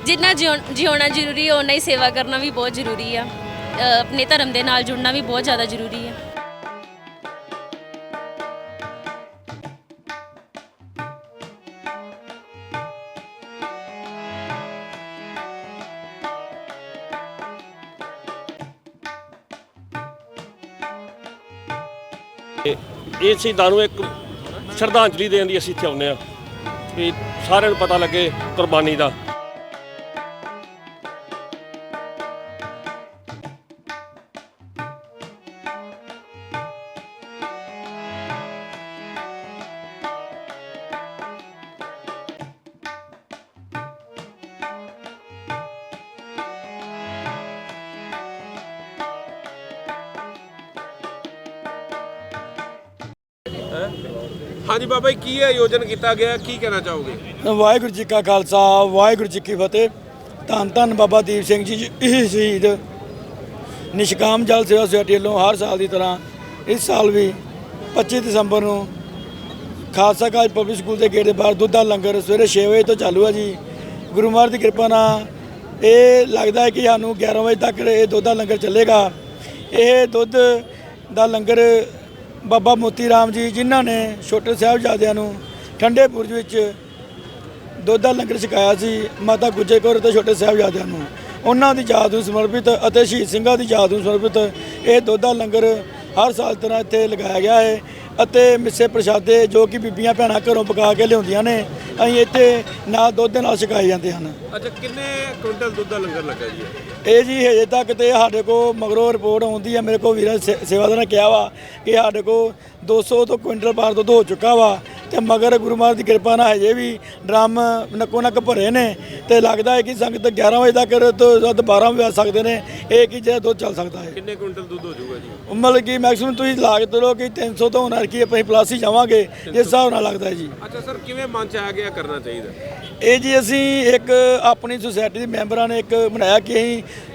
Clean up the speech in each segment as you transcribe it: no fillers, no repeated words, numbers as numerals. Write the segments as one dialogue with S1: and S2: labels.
S1: जिन्ना जिउना जरूरी है उन्ना ही सेवा करना भी बहुत जरूरी है। अपने धर्म के नाल जुड़ना भी बहुत ज़्यादा जरूरी है।
S2: ਇਹ ਸ਼ਹੀਦਾਂ ਨੂੰ ਇੱਕ ਸ਼ਰਧਾਂਜਲੀ ਦੇਣ ਦੀ ਅਸੀਂ ਇੱਥੇ ਆਉਂਦੇ ਹਾਂ ਵੀ ਸਾਰਿਆਂ ਨੂੰ ਪਤਾ ਲੱਗੇ ਕੁਰਬਾਨੀ ਦਾ।
S3: हाँ जी बाबा जी, की आयोजन किया गया, की कहना चाहोगे?
S4: वाहिगुरू जी का खालसा वाहिगुरू जी की फतेह। धन धन बाबा दीप सिंह जी शहीद निष्काम जल सेवा सोसाइटी वालों हर साल की तरह इस साल भी 25 दसंबर को खालसा कालेज पब्लिक स्कूल के गेट के बाहर दुध का लंगर सवेरे 6 बजे तो चालू है जी। गुरु महाराज की कृपा नाल ये लगता है कि सानू 11 बजे तक ये दुध का लंगर चलेगा। ये दुध का लंगर बाबा मोती राम जी जिन्हों ने छोटे साहिबजादियां नूं ठंडे बुरज विच दुध का लंगर छकाया सी, माता गुजर कौर ते छोटे साहिबजादियां नूं उन्हां दी याद नूं समर्पित अते शहीद सिंघां दी याद नूं समर्पित ये दुध का लंगर हर साल तरह इत्थे लगाया गया है। ਅਤੇ ਮਿੱਸੇ ਪ੍ਰਸ਼ਾਦੇ ਜੋ ਕਿ ਬੀਬੀਆਂ ਭੈਣਾਂ ਘਰੋਂ ਪਕਾ ਕੇ ਲਿਆਉਂਦੀਆਂ ਨੇ ਅਸੀਂ ਇੱਥੇ ਨਾਲ ਦੁੱਧ ਦੇ ਨਾਲ ਛਕਾਏ ਜਾਂਦੇ ਹਨ।
S3: अच्छा, किन्ने क्विंटल दूध का लंगर लगा जी?
S4: ਇਹ ਜੀ ਹਜੇ ਤੱਕ ਤੇ ਸਾਡੇ ਕੋਲ ਮਗਰੋਂ ਰਿਪੋਰਟ ਆਉਂਦੀ ਹੈ, ਮੇਰੇ ਕੋਲ ਵੀਰਾਂ ਸੇਵਾਦਾਰ ਨੇ ਕਿਹਾ ਵਾ ਕਿ ਸਾਡੇ ਕੋਲ 200 ਤੋਂ ਕੁਇੰਟਲ ਪਾਰ ਦੁੱਧ ਹੋ ਚੁੱਕਾ ਵਾ ਤੇ ਮਗਰ ਗੁਰੂ ਮਹਾਰਾਜ ਦੀ ਕਿਰਪਾ ਨਾਲ ਹਜੇ ਵੀ ਡਰਮ ਨੱਕੋ ਨੱਕ ਭਰੇ ਨੇ ਤੇ ਲੱਗਦਾ ਹੈ ਕਿ ਸੰਗਤ 11 ਵਜੇ ਤੱਕ ਤੋਂ ਵੱਧ 12 ਵਜੇ ਆ ਸਕਦੇ ਨੇ। ਇਹ ਕਿ ਜਿਹੜਾ ਦੁੱਧ ਚੱਲ ਸਕਦਾ ਹੈ।
S3: किन्ने क्विंटल दूध हो जाऊगा जी?
S4: ਮਤਲਬ ਕਿ ਮੈਕਸਿਮਮ ਤੁਸੀਂ ਲਾ ਕੇ ਚਲੋ ਕਿ 300 ਤੋਂ ਹੋਣਾ ਕਿ ਅਸੀਂ ਪਲੱਸ ਹੀ ਜਾਵਾਂਗੇ ਜਿਸ ਹਿਸਾਬ ਨਾਲ ਲੱਗਦਾ ਹੈ ਜੀ।
S3: अच्छा सर, किवें मन च आ गया करना चाहिए?
S4: ਇਹ ਜੀ ਅਸੀਂ ਇੱਕ ਆਪਣੀ ਸੁਸਾਇਟੀ ਦੇ ਮੈਂਬਰਾਂ ਨੇ ਇੱਕ ਬਣਾਇਆ ਕਿ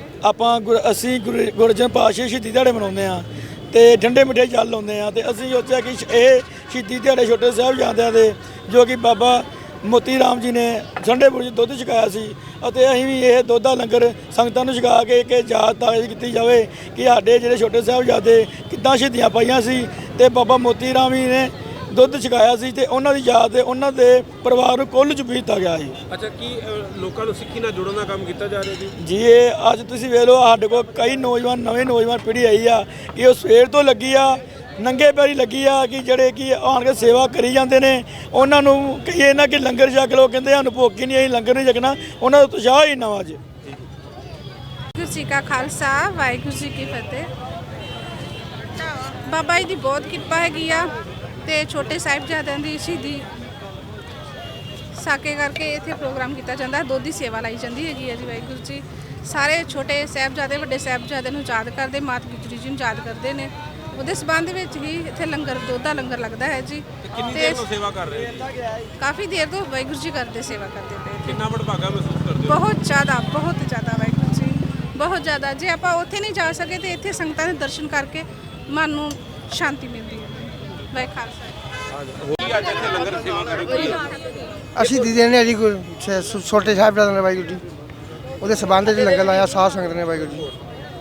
S4: ਅਸੀਂ ਗੁਰੂ ਅਰਜਨ ਪਾਤਸ਼ਾਹ ਸ਼ਹੀਦੀ ਦਿਹਾੜੇ ਮਨਾਉਂਦੇ ਆ ਤੇ ਠੰਡੇ ਮਿੱਠੇ ਜਲ ਲਾਉਂਦੇ ਆ ਤੇ ਅਸੀਂ ਸੋਚਿਆ ਕਿ ਇਹ ਸ਼ਹੀਦੀ ਦਿਹਾੜੇ ਛੋਟੇ ਸਾਹਿਬਜ਼ਾਦਿਆਂ ਦੇ ਜੋ ਕਿ ਬਾਬਾ ਮੋਤੀ ਰਾਮ ਜੀ ਨੇ ਠੰਡੇ ਬੁਰਜ ਦੁੱਧ ਛਕਾਇਆ ਸੀ ਅਤੇ ਅਸੀਂ ਵੀ ਇਹ ਦੁੱਧ ਦਾ ਲੰਗਰ ਸੰਗਤਾਂ ਨੂੰ ਛਕਾ ਕੇ ਇੱਕ ਯਾਦ ਤਾਜ਼ੀ ਕੀਤੀ ਜਾਵੇ ਕਿ ਸਾਡੇ ਜਿਹੜੇ ਛੋਟੇ ਸਾਹਿਬਜ਼ਾਦੇ ਕਿੱਦਾਂ ਸ਼ਹੀਦੀਆਂ ਪਾਈਆਂ ਸੀ ਤੇ ਬਾਬਾ ਮੋਤੀ ਰਾਮ ਜੀ ਨੇ ਦੁੱਧ ਛਕਾਇਆ ਸੀ ਤੇ ਉਹਨਾਂ ਦੀ ਯਾਦ ਤੇ ਉਹਨਾਂ ਦੇ ਪਰਿਵਾਰ ਨੂੰ ਕੁੱਲ ਚ ਕੀਤਾ ਗਿਆ ਸੀ।
S3: अच्छा, की लोगों को सिक्खी नाल जोड़न दा काम किया जा रहा जी?
S4: ਜੀ ਇਹ ਅੱਜ ਤੁਸੀਂ ਵੇਖ ਲਓ ਸਾਡੇ ਕੋਲ ਕਈ ਨਵੇਂ ਨੌਜਵਾਨ ਪੀੜ੍ਹੀ ਆਈ ਆ ਕਿ ਉਹ ਸਵੇਰ ਤੋਂ ਲੱਗੀ ਆ ਨੰਗੇ ਪੈਰੀ ਲੱਗੀ ਆ ਕਿ ਜਿਹੜੇ ਕਿ ਆਣ ਕੇ ਸੇਵਾ ਕਰੀ ਜਾਂਦੇ ਨੇ। ਉਹਨਾਂ ਨੂੰ ਕਹੀਏ ਨਾ ਕਿ ਲੰਗਰ ਛਕ ਲਓ, ਕਹਿੰਦੇ ਸਾਨੂੰ ਭੁੱਖ ਹੀ ਨਹੀਂ, ਅਸੀਂ ਲੰਗਰ ਨਹੀਂ ਛਕਣਾ। ਉਹਨਾਂ ਦਾ ਉਤਸ਼ਾਹ ਹੀ ਨਵਾਂ ਅੱਜ।
S5: ਵਾਹਿਗੁਰੂ ਜੀ ਕਾ ਖਾਲਸਾ ਵਾਹਿਗੁਰੂ ਜੀ ਕੀ ਫਤਿਹ। ਬਾਬਾ ਜੀ ਦੀ ਬਹੁਤ ਕਿਰਪਾ ਹੈਗੀ ਆ ਤੇ ਛੋਟੇ ਸਾਹਿਬਜ਼ਾਦਿਆਂ ਦੀ ਸ਼ਹੀਦੀ ਸਾਕੇ ਕਰਕੇ ਇੱਥੇ ਪ੍ਰੋਗਰਾਮ ਕੀਤਾ ਜਾਂਦਾ। ਦੁੱਧ ਦੀ ਸੇਵਾ ਲਾਈ ਜਾਂਦੀ ਹੈਗੀ ਹੈ ਜੀ। ਵਾਹਿਗੁਰੂ ਜੀ ਸਾਰੇ ਛੋਟੇ ਸਾਹਿਬਜ਼ਾਦੇ ਵੱਡੇ ਸਾਹਿਬਜ਼ਾਦੇ ਨੂੰ ਯਾਦ ਕਰਦੇ, ਮਾਤਾ ਗੁਜਰੀ ਜੀ ਨੂੰ ਯਾਦ ਕਰਦੇ ਨੇ। ਉਹਦੇ ਸਬੰਧ ਵਿੱਚ ਹੀ ਇੱਥੇ ਲੰਗਰ ਦੁੱਧ ਦਾ ਲੰਗਰ ਲੱਗਦਾ ਹੈ ਜੀ।
S3: कितनी देर तो सेवा कर रहे हैं?
S5: ਕਾਫੀ ਦੇਰ ਤੋਂ ਵਾਹਿਗੁਰੂ ਜੀ ਕਰਦੇ ਸੇਵਾ ਕਰਦੇ ਪਏ।
S3: कितना वडभागा महसूस करते हो?
S5: ਬਹੁਤ ਜ਼ਿਆਦਾ ਵਾਹਿਗੁਰੂ ਜੀ, ਬਹੁਤ ਜ਼ਿਆਦਾ। ਜੇ ਆਪਾਂ ਉੱਥੇ ਨਹੀਂ ਜਾ ਸਕੇ ਤੇ ਇੱਥੇ ਸੰਗਤਾਂ ਦੇ ਦਰਸ਼ਨ ਕਰਕੇ ਮਨ ਨੂੰ ਸ਼ਾਂਤੀ ਮਿਲਦੀ ਹੈ। ਵਾਹਿਗੁਰੂ ਖਾਲਸਾ।
S3: आज इत्थे लंगर सेवा करेगी?
S6: ਅਸੀਂ ਦੀਦੇ ਨੇ ਜੀ ਛੋਟੇ ਸਾਹਿਬਜ਼ਾਦੇ ਨੇ ਵਾਹਿਗੁਰੂ ਜੀ ਉਹਦੇ ਸਬੰਧ ਵਿੱਚ ਲੰਗਰ ਲਾਇਆ ਸਾਧ ਸੰਗਤ ਨੇ ਵਾਹਿਗੁਰੂ ਜੀ।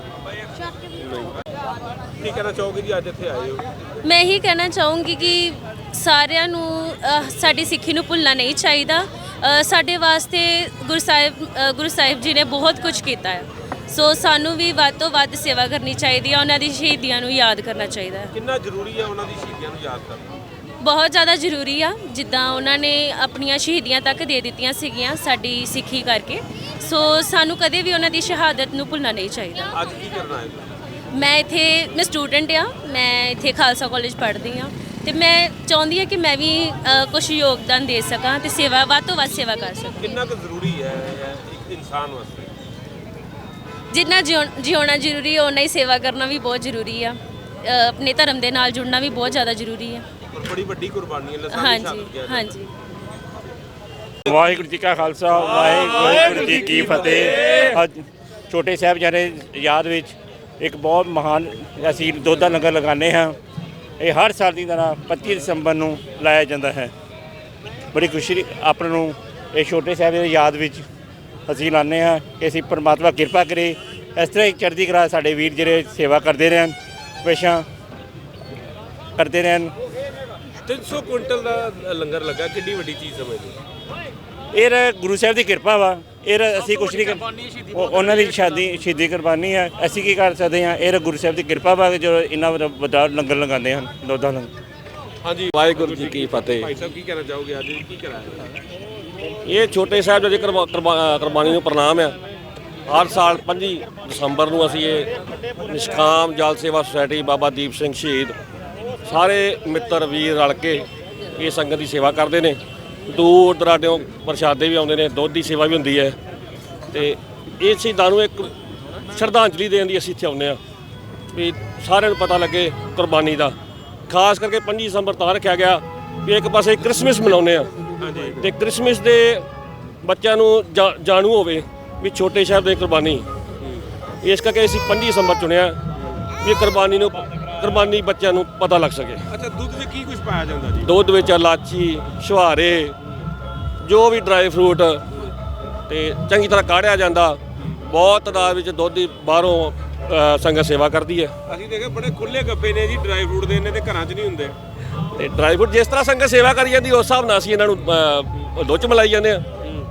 S3: की कहना चाहोगे जी, आज इत्थे आए हो?
S1: मैं यही कहना चाहूँगी कि ਸਾਰਿਆਂ ਨੂੰ ਸਾਡੀ ਸਿੱਖੀ ਨੂੰ ਭੁੱਲਣਾ ਨਹੀਂ ਚਾਹੀਦਾ। ਸਾਡੇ ਵਾਸਤੇ ਗੁਰੂ ਸਾਹਿਬ ਜੀ ਨੇ ਬਹੁਤ ਕੁਝ ਕੀਤਾ ਹੈ। ਸੋ ਸਾਨੂੰ ਵੀ ਵੱਧ ਤੋਂ ਵੱਧ ਸੇਵਾ ਕਰਨੀ ਚਾਹੀਦੀ ਹੈ, ਉਹਨਾਂ ਦੀ ਸ਼ਹੀਦੀਆਂ ਨੂੰ ਯਾਦ ਕਰਨਾ ਚਾਹੀਦਾ ਹੈ।
S3: कितना जरूरी है उन्होंने शहीदियों को याद करना?
S1: ਬਹੁਤ ਜ਼ਿਆਦਾ ਜ਼ਰੂਰੀ ਆ। ਜਿੱਦਾਂ ਉਹਨਾਂ ਨੇ ਆਪਣੀਆਂ ਸ਼ਹੀਦੀਆਂ ਤੱਕ ਦੇ ਦਿੱਤੀਆਂ ਸੀਗੀਆਂ ਸਾਡੀ ਸਿੱਖੀ ਕਰਕੇ। ਸੋ ਸਾਨੂੰ ਕਦੇ ਵੀ ਉਹਨਾਂ ਦੀ ਸ਼ਹਾਦਤ ਨੂੰ ਭੁੱਲਣਾ ਨਹੀਂ ਚਾਹੀਦਾ।
S3: आज की करना है?
S1: ਮੈਂ ਸਟੂਡੈਂਟ ਆ, ਮੈਂ ਇੱਥੇ ਖਾਲਸਾ ਕਾਲਜ ਪੜ੍ਹਦੀ ਆ ਤੇ ਮੈਂ ਚਾਹੁੰਦੀ ਹਾਂ ਕਿ ਮੈਂ ਵੀ ਕੁਝ ਯੋਗਦਾਨ ਦੇ ਸਕਾਂ ਤੇ ਸੇਵਾ ਵੱਧ ਤੋਂ ਵੱਧ ਸੇਵਾ ਕਰ ਸਕਾਂ।
S3: कितना जरूरी है एक इंसान वास्ते?
S1: ਜਿੰਨਾ ਜਿਉਣਾ ਜ਼ਰੂਰੀ ਹੈ ਉਨਾ ਹੀ ਸੇਵਾ ਕਰਨਾ ਵੀ ਬਹੁਤ ਜ਼ਰੂਰੀ ਆ। ਆਪਣੇ ਧਰਮ ਦੇ ਨਾਲ ਜੁੜਨਾ ਵੀ ਬਹੁਤ ਜ਼ਿਆਦਾ ਜ਼ਰੂਰੀ ਹੈ।
S3: और बड़ी बड़ी कुर्बानी है।
S1: ਹਾਂਜੀ ਹਾਂਜੀ।
S7: ਵਾਹਿਗੁਰੂ ਜੀ ਕਾ ਖਾਲਸਾ ਵਾਹਿਗੁਰੂ ਜੀ ਕੀ ਫਤਿਹ। ਅੱਜ ਛੋਟੇ ਸਾਹਿਬਜ਼ਾਦੇ ਯਾਦ ਵਿੱਚ ਇੱਕ ਬਹੁਤ ਮਹਾਨ ਅਸੀਂ ਦੁੱਧ ਦਾ ਲੰਗਰ ਲਗਾਉਂਦੇ ਹਾਂ। ਇਹ ਹਰ ਸਾਲ ਦੀ ਤਰ੍ਹਾਂ 25 ਦਸੰਬਰ ਨੂੰ ਲਾਇਆ ਜਾਂਦਾ ਹੈ। ਬੜੀ ਖੁਸ਼ੀ ਆਪਾਂ ਨੂੰ ਇਹ ਛੋਟੇ ਸਾਹਿਬਜ਼ਾਦੇ ਦੀ ਯਾਦ ਵਿੱਚ ਅਸੀਂ ਲਾਉਂਦੇ ਹਾਂ ਕਿ ਅਸੀਂ ਪਰਮਾਤਮਾ ਕਿਰਪਾ ਕਰੇ, ਇਸ ਤਰ੍ਹਾਂ ਹੀ ਚੜ੍ਹਦੀ ਕਲਾ ਸਾਡੇ ਵੀਰ ਜਿਹੜੇ ਸੇਵਾ ਕਰਦੇ ਰਹਿਣ, ਹਮੇਸ਼ਾ ਕਰਦੇ ਰਹਿਣ।
S3: 300 ਕੁਇੰਟਲ ਦਾ ਲੰਗਰ ਲੱਗਾ, ਕਿੰਨੀ ਵੱਡੀ ਚੀਜ਼ ਸਮਝਦੇ ਹੋ?
S7: ਇਹ ਗੁਰੂ ਸਾਹਿਬ ਦੀ ਕਿਰਪਾ ਵਾ, ਇਹ ਅਸੀਂ ਕੁਛ ਨਹੀਂ ਕਰ, ਉਹਨਾਂ ਦੀ ਸ਼ਹੀਦੀ ਕੁਰਬਾਨੀ ਹੈ, ਅਸੀਂ ਕੀ ਕਰ ਸਕਦੇ ਹਾਂ। ਇਹ ਗੁਰੂ ਸਾਹਿਬ ਦੀ ਕਿਰਪਾ ਵਾ ਕਿ ਜੋ ਇੰਨਾ ਵੱਡਾ ਲੰਗਰ ਲਗਾਉਂਦੇ ਹਨ, ਦੁੱਧਾ ਲੰਗਰ।
S3: ਹਾਂਜੀ,
S2: ਵਾਹਿਗੁਰੂ ਜੀ ਕੀ ਫਤਿਹ।
S3: ਭਾਈ ਸਾਹਿਬ ਕੀ ਕਹਿਣਾ ਚਾਹੋਗੇ, ਅੱਜ ਕੀ ਕਰਾਇਆ?
S2: ਇਹ ਛੋਟੇ ਸਾਹਿਬ ਜੀ ਕੁਰਬਾਨੀ ਨੂੰ ਪ੍ਰਣਾਮ ਆ। ਹਰ ਸਾਲ 25 ਦਸੰਬਰ ਨੂੰ ਅਸੀਂ ਇਹ ਨਿਸ਼ਕਾਮ ਜਲ ਸੇਵਾ ਸੁਸਾਇਟੀ ਬਾਬਾ ਦੀਪ ਸਿੰਘ ਸ਼ਹੀਦ ਸਾਰੇ ਮਿੱਤਰ ਵੀਰ ਰਲ ਕੇ ਇਹ ਸੰਗਤ ਦੀ ਸੇਵਾ ਕਰਦੇ ਨੇ। ਦੂਰ ਦਰਾਡਿਓਂ ਪ੍ਰਸ਼ਾਦੇ ਵੀ ਆਉਂਦੇ ਨੇ, ਦੁੱਧ ਦੀ ਸੇਵਾ ਵੀ ਹੁੰਦੀ ਹੈ, ਤੇ ਇਹ ਸ਼ਹੀਦਾਂ ਨੂੰ ਇੱਕ ਸ਼ਰਧਾਂਜਲੀ ਦੇਣ ਦੀ ਅਸੀਂ ਇੱਥੇ ਆਉਂਦੇ ਹਾਂ ਵੀ ਸਾਰਿਆਂ ਨੂੰ ਪਤਾ ਲੱਗੇ ਕੁਰਬਾਨੀ ਦਾ। ਖਾਸ ਕਰਕੇ 25 ਦਸੰਬਰ ਤਾਂ ਰੱਖਿਆ ਗਿਆ ਵੀ ਇੱਕ ਪਾਸੇ ਕ੍ਰਿਸਮਸ ਮਨਾਉਂਦੇ ਆ ਤੇ ਕ੍ਰਿਸਮਸ ਦੇ ਬੱਚਿਆਂ ਨੂੰ ਜਾਣੂ ਹੋਵੇ ਵੀ ਛੋਟੇ ਸਾਹਿਬ ਦੀ ਕੁਰਬਾਨੀ, ਇਸ ਕਰਕੇ ਅਸੀਂ 25 ਦਸੰਬਰ ਚੁਣਿਆ ਵੀ ਕੁਰਬਾਨੀ ਬੱਚਿਆਂ ਨੂੰ ਪਤਾ ਲੱਗ ਸਕੇ।
S3: ਅੱਛਾ, ਦੁੱਧ ਵਿੱਚ ਕੀ ਕੁਝ ਪਾਇਆ ਜਾਂਦਾ ਜੀ?
S2: ਦੁੱਧ ਵਿੱਚ ਇਲਾਚੀ, ਛੁਹਾਰੇ, ਜੋ ਵੀ ਡਰਾਈ ਫਰੂਟ ਤੇ ਚੰਗੀ ਤਰ੍ਹਾਂ ਕਾੜਿਆ ਜਾਂਦਾ। ਬਹੁਤ ਤਾਦਾਦ ਵਿੱਚ ਦੁੱਧ ਦੀ ਬਾਹਰੋਂ ਸੰਗਤ ਸੇਵਾ ਕਰਦੀ ਹੈ।
S3: ਅਸੀਂ ਦੇਖਿਆ ਬੜੇ ਖੁੱਲੇ ਗੱਪੇ ਨੇ ਜੀ ਡਰਾਈ ਫਰੂਟ ਦੇ, ਨੇ ਤੇ ਘਰਾਂ 'ਚ ਨਹੀਂ ਹੁੰਦੇ।
S2: ਤੇ ਡਰਾਈ ਫਰੂਟ ਜਿਸ ਤਰ੍ਹਾਂ ਸੰਗਤ ਸੇਵਾ ਕਰੀ ਜਾਂਦੀ ਉਸ ਹਿਸਾਬ ਨਾਲ ਅਸੀਂ ਇਹਨਾਂ ਨੂੰ ਦੁੱਧ 'ਚ ਮਲਾਈ ਜਾਂਦੇ ਆ।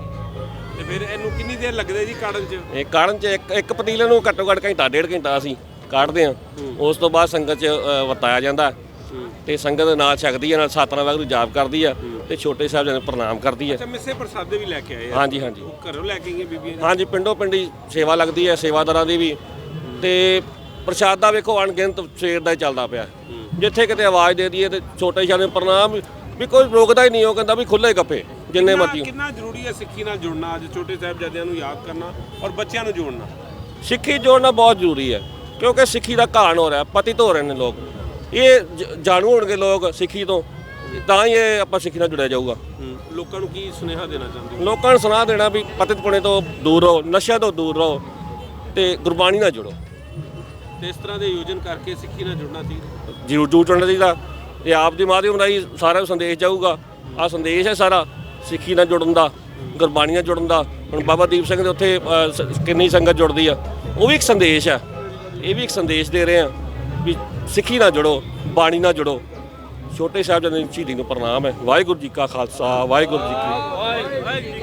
S3: ਤੇ ਫਿਰ ਇਹਨੂੰ ਕਿੰਨੀ ਦੇਰ ਲੱਗਦੇ ਜੀ ਕਾੜਨ 'ਚ?
S2: ਇਹ ਕਾੜਨ 'ਚ ਇੱਕ ਪਤੀਲੇ ਨੂੰ ਘੱਟੋ ਘੱਟ ਘੰਟਾ ਡੇਢ ਘੰਟਾ ਅਸੀਂ ਕਾੜਦੇ ਆ। ਉਸ ਤੋਂ ਬਾਅਦ ਸੰਗਤ 'ਚ ਵਰਤਾਇਆ ਜਾਂਦਾ ਤੇ ਸੰਗਤ ਨਾਲ ਛਕਦੀ ਹੈ, ਨਾਲ ਸਤਨਾਮ ਵਾਹਿਗੁਰੂ ਜਾਪ ਕਰਦੀ ਆ ਤੇ ਛੋਟੇ ਸਾਹਿਬ ਜੀ ਨੂੰ ਪ੍ਰਣਾਮ ਕਰਦੀ ਹੈ।
S3: ਅੱਛਾ, ਮਿੱਸੇ ਪ੍ਰਸਾਦੇ ਵੀ ਲੈ ਕੇ ਆਏ ਆ?
S2: ਹਾਂਜੀ ਹਾਂਜੀ,
S3: ਘਰੋਂ ਲੈ ਕੇ ਗਈਆਂ ਬੀਬੀਆਂ?
S2: ਹਾਂਜੀ, ਪਿੰਡੋਂ ਪਿੰਡੀ ਸੇਵਾ ਲੱਗਦੀ ਹੈ, ਸੇਵਾਦਾਰਾਂ ਦੀ ਵੀ। ਤੇ ਪ੍ਰਸ਼ਾਦਾ ਵੇਖੋ ਅਣਗਿਣਤ ਸਵੇਰ ਦਾ ਹੀ ਚੱਲਦਾ ਪਿਆ। ਜਿੱਥੇ ਕਿਤੇ ਆਵਾਜ਼ ਦੇ ਦਈਏ ਤੇ ਛੋਟੇ ਸਾਹਿਬ ਨੂੰ ਪ੍ਰਣਾਮ ਵੀ ਕੋਈ ਰੋਕਦਾ ਹੀ ਨਹੀਂ। ਉਹ ਕਹਿੰਦਾ ਵੀ ਖੁੱਲੇ ਗੱਪੇ ਜਿੰਨੇ ਮਰਜ਼ੀ।
S3: ਕਿੰਨਾ ਜ਼ਰੂਰੀ ਹੈ ਸਿੱਖੀ ਨਾਲ ਜੁੜਨਾ, ਅੱਜ ਛੋਟੇ ਸਾਹਿਬਜ਼ਾਦਿਆਂ ਨੂੰ ਯਾਦ ਕਰਨਾ ਔਰ ਬੱਚਿਆਂ ਨੂੰ ਜੋੜਨਾ?
S2: ਸਿੱਖੀ ਜੋੜਨਾ ਬਹੁਤ ਜ਼ਰੂਰੀ ਹੈ ਕਿਉਂਕਿ ਸਿੱਖੀ ਦਾ ਘਾਣ ਹੋ ਰਿਹਾ, ਪਤਿਤ ਹੋ ਰਹੇ ਨੇ ਲੋਕ। ਇਹ ਜਾਣੂ ਹੋਣਗੇ ਲੋਕ ਸਿੱਖੀ ਤੋਂ, ਤਾਂ ਹੀ ਇਹ ਆਪਾਂ ਸਿੱਖੀ ਨਾਲ ਜੁੜਿਆ ਜਾਊਗਾ।
S3: ਲੋਕਾਂ ਨੂੰ ਕੀ ਸੁਨੇਹਾ ਦੇਣਾ ਚਾਹੁੰਦੇ ਹੋ?
S2: ਲੋਕਾਂ ਨੂੰ ਸੁਣਾ ਦੇਣਾ ਵੀ ਪਤਿਤ ਪੁਣੇ ਤੋਂ ਦੂਰ ਰਹੋ, ਨਸ਼ਿਆਂ ਤੋਂ ਦੂਰ ਰਹੋ ਤੇ ਗੁਰਬਾਣੀ ਨਾਲ ਜੁੜੋ।
S3: ਤੇ ਇਸ ਤਰ੍ਹਾਂ ਦੇ ਆਯੋਜਨ ਕਰਕੇ ਸਿੱਖੀ ਨਾਲ ਜੁੜਨਾ ਚਾਹੀਦਾ।
S2: ਜ਼ਰੂਰ ਜੁੜਨਾ ਚਾਹੀਦਾ। ਇਹ ਆਪ ਦੀ ਮਾਧਿਅਮ ਰਾਹੀਂ ਸਾਰਿਆਂ ਨੂੰ ਸੰਦੇਸ਼ ਜਾਊਗਾ। ਆਹ ਸੰਦੇਸ਼ ਹੈ ਸਾਰਾ ਸਿੱਖੀ ਨਾਲ ਜੁੜਨ ਦਾ, ਗੁਰਬਾਣੀ ਨਾਲ ਜੁੜਨ ਦਾ। ਹੁਣ ਬਾਬਾ ਦੀਪ ਸਿੰਘ ਦੇ ਉੱਥੇ ਕਿੰਨੀ ਸੰਗਤ ਜੁੜਦੀ ਆ, ਉਹ ਵੀ ਇੱਕ ਸੰਦੇਸ਼ ਆ। ਇਹ ਵੀ ਇੱਕ ਸੰਦੇਸ਼ ਦੇ ਰਹੇ ਆ ਵੀ ਸਿੱਖੀ ਨਾਲ ਜੁੜੋ, ਬਾਣੀ ਨਾਲ ਜੁੜੋ। ਛੋਟੇ ਸਾਹਿਬ ਜੀ ਦੀ ਸ਼ਹੀਦੀ ਨੂੰ ਪ੍ਰਣਾਮ ਹੈ। ਵਾਹਿਗੁਰੂ ਜੀ ਕਾ ਖਾਲਸਾ, ਵਾਹਿਗੁਰੂ ਜੀ ਕੀ